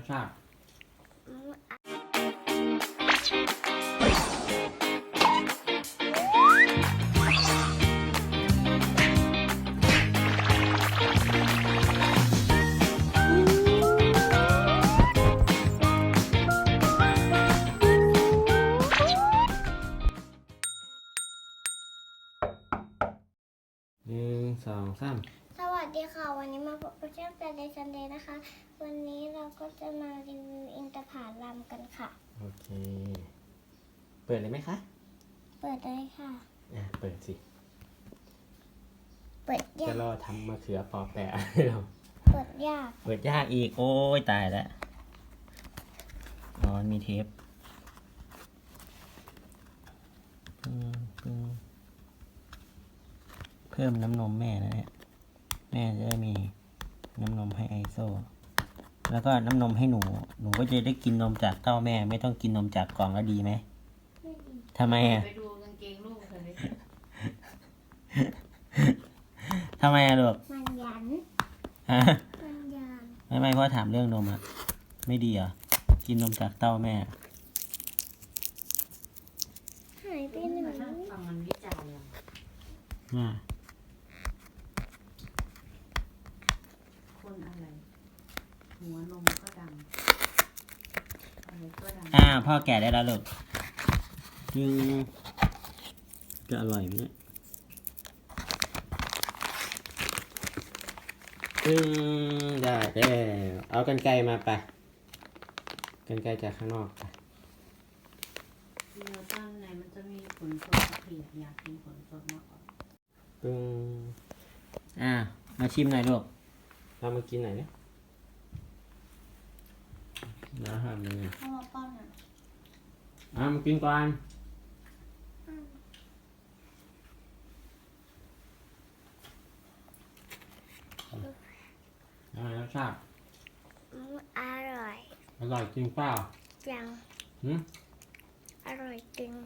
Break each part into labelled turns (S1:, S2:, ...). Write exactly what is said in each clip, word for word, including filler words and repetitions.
S1: ชาติหนึ่งสองสาม
S2: สวัสดีค่ะวันนี้มาพบกับช่องแฟนเดย์ซันเดย์นะคะวันนี้เราก็จะมารีวิวอินทผลัมกันค่ะ
S1: โอเคเปิดเลยไหมคะ
S2: เปิดได้ค่ะ
S1: อ่ะเปิดสิ
S2: เปิดยาก
S1: จะรอทำมะเขือปอแปะให้เรา
S2: เปิดยาก
S1: เปิดยากอีกโอ้ยตายแล้วอ๋อมีเทปเพิ่มน้ำนมแม่นะเนี่ยแม่จะได้มีน้ำนมให้ไอโซแล้วก็น้ำนมให้หนูหนูก็จะได้กินนมจากเต้าแม่ไม่ต้องกินนมจากกล่องแล้วดีไหมทำไมอ่ะ
S3: ไปดูกางเกงลูกเธอเลย
S1: ทำไมอ่ะลูก
S2: มันยัน
S1: ฮะ
S2: มันยัน
S1: ไม่ไม่เพราะถามเรื่องนมอ่ะไม่ดีเหรอกินนมจากเต้าแม่
S2: หายไปไหน
S3: ฟังมันวิจัยอ่ะ
S1: อ่า
S3: คนอะไรหัวนมก็ดำอะไรก็ดำ
S1: อ่าพ่อแก่ได้แล้วลูกจึงจะอร่อยไหมเนี่ยจึงได้แล้วเอากรรไกรมาไปกรรไกรจากข้างนอกไป
S3: เดี๋ยวตอนไหนมันจะมีผลสดเพียอยากกินผลสดมากกว่า
S1: ปึ้งอ่ามาชิมหน่อยลูกเรามากินหน่อยเนี่ยแล้วทำยังไง
S3: พ่อป้อนอ่ะ
S1: อ่ามากินก่อนอ่ารสชาติ
S2: อร่อย
S1: อร่อยจริงเปล่า
S2: จัง
S1: หืม
S2: อร่อยจริง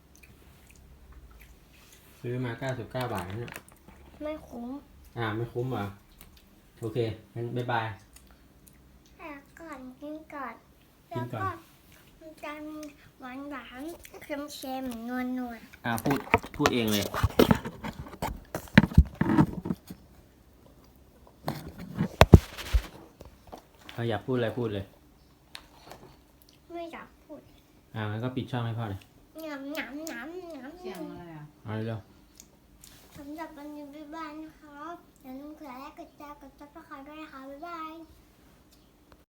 S1: ซื้อมาเก้าสิบเก้าบาทเนี่ย
S2: ไม่คุ้ม
S1: อ่าไม่คุ้มเหรอโอเคงั้นบ๊ายบาย
S2: แต่ก่อนกินก่อน
S1: กินก่อน
S2: มันจะมีหวานหวานเค็มเค็มนวลนวล
S1: อ่าพูดพูดเองเลยเราอยากพูดอะไรพูดเลย
S2: ไม่อยากพูด
S1: อ่างั้นก็ปิดช่องให้พ่อเลย
S2: หนำหนำหนำหนำ
S3: เสียงอะไรอ่ะ
S1: เอาเร็ว
S2: สำหรับวันนี้บ๊ายบายนะครับอย่าลืมกดไลค์กดแชร์กดซับสไครต์ด้วยนะคะบ๊ายบาย